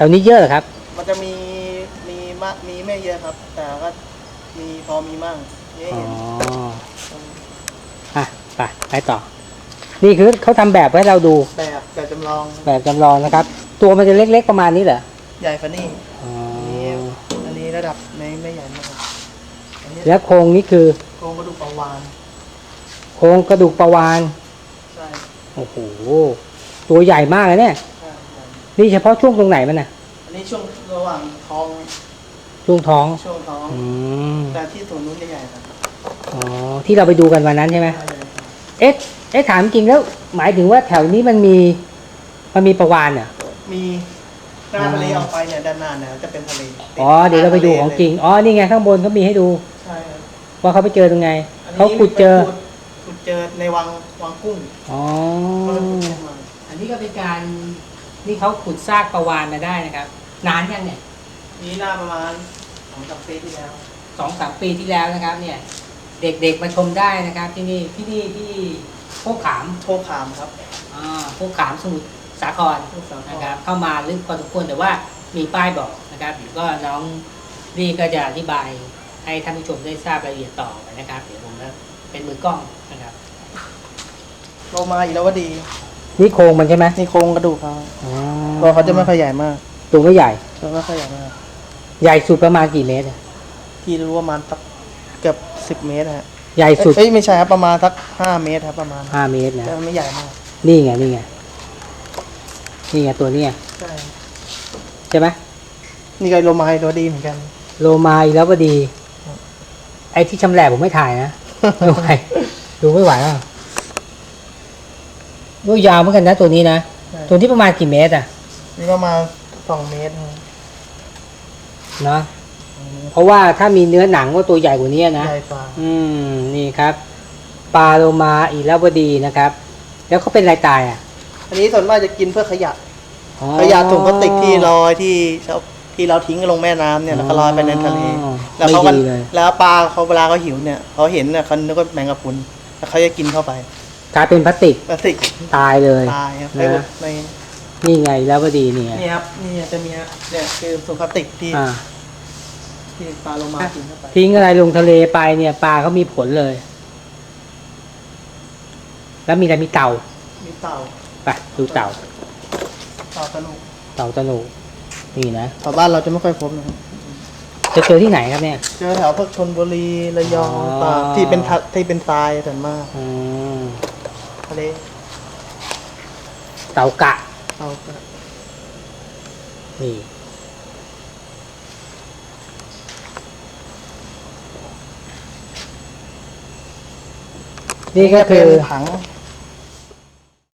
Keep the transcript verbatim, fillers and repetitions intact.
วนี้เยอะเหรอครับมันจะมีมีมากมีไม่เยอะครับ แต่ก็มีพอมีมั่งนี่อ๋อเห็นอ่ะไปไปต่อ นี่คือเขาทำแบบให้เราดูแบบแบบจำลองแบบจำลองนะครับ ตัวมันจะเล็กๆประมาณนี้เหรอใหญ่กว่านี่อ๋ออันนี้อันนี้ระดับไม่ไม่ใหญ่มากอันนี้แล้วโครงนี้คือโครงกระดูกปลาวาฬโครงกระดูกปลาวาฬใช่โอ้โหตัวใหญ่มากเลยเนี่ยใช่นี่เฉพาะช่วงตรงไหนมันน่ะอันนี้ช่วงระหว่างท้องช่วงท้องช่วงท้องอืมแต่ที่ส่วนนู้นจะใหญ่ครับอ๋อที่เราไปดูกันวันนั้นใช่ไหมใช่เลยครับเอ๊ะเอ๊ะถามจริงแล้วหมายถึงว่าแถวนี้มันมีมันมีปลาวาฬเหรอมีหน้าทะเลออกไปเนี่ยด้านหน้าเนี่ยจะเป็นทะเลอ๋อเดี๋ยวเราไปดูของจริงอ๋อนี่ไงข้างบนเขามีให้ดูใช่ครับว่าเขาไปเจอตรงไงอันนี้เขาขุดเจอขุดเจอในวังวังกุ้งอ๋อก็เลยขุดขึ้นมาอันนี้ก็เป็นการนี่เขาขุดซากปลาวาฬมาได้นะครับนานยังเนี่ยนี่หน้าประมาณสองสามปีที่แล้วสองสามปีที่แล้วนะครับเนี่ยเด็กๆมาชมได้นะครับที่นี่ที่นี่ที่โคกขามโชคขามครับอ่าโคกขามสมุทรสาครนะครับเข้ามาลึกพอสมควรแต่ว่ามีป้ายบอกนะครับเดี๋ยวก็น้องนี่ก็จะอธิบายให้ท่านผู้ชมได้ทราบรายละเอียดต่อไปนะครับเดี๋ยวผมจะเป็นมือกล้องนะครับโลมาอีกแล้วว่าดีนี่โครงมันใช่ไหมนี่โครงกระดูกเขาอ๋อตัวเขาจะไม่ค่อยใหญ่มากตัวไม่ใหญ่ตัวไม่ค่อยใหญ่มากใหญ่สุดประมาณกี่เมตรที่รู้ประมาณสักเกือบสิบเมตรฮะใหญ่สุดเอ้ยไม่ใช่ครับประมาณสักห้าเมตรครับประมาณห้าเมตรนะแต่ไม่ใหญ่มากนี่ไงนี่ไงนี่ไงตัวนี้ใช่ใช่ไหมนี่ก็โลมาอีกตัวดีเหมือนกันโลมาอีกแล้วก็ดีไอ้ที่ชำแหละผมไม่ถ่ายนะดูไปดูไม่ไหวอ่ะดูยาวเหมือนกันนะตัวนี้นะตัวที่ประมาณกี่เมตรอ่ะนี่ประมาณสองเมตรเนาะเพราะว่าถ้ามีเนื้อหนังก็ตัวใหญ่กว่านี้นะใหญ่กว่าอืมนี่ครับปลาโลมาอีกแล้วก็ดีนะครับ แล้วเขาเป็นอะไรตายอ่ะอันนี้ส่วนมากจะกินเพื่อขยะขยะถุงพลาสติกที่ลอยที่ที่เราทิ้งลงแม่น้ำเนี่ยแล้วก็ลอยไปในทะเลแล้วเขาก็แล้วปลาเขาเวลาเขาหิวเนี่ยเขาเห็นเนี่ยเขานึกว่าแมงกะพรุนแล้วเขาจะกินเข้าไปกลายเป็นพลาสติกพลาสติกตายเลยตายครับในนี่ไงแล้วก็ดีนี่นี่ครับนี่จะมีเนี่ยคือถุงพลาสติกที่ที่ปลาโลมากินเข้าไปทิ้งอะไรลงทะเลไปเนี่ยปลาเขามีผลเลยแล้วมีอะไรมีเต่ามีเต่าไปดูเต่าเต่าตะนุเต่าตะนุนี่นะแถวบ้านเราจะไม่ค่อยพบนะครับจะเจอที่ไหนครับเนี่ยเจอแถวพวกชลบุรีระยองตากที่เป็นที่เป็นทรายส่วนมากทะเลเต่ากะเต่ากะนี่นี่ก็คือผัง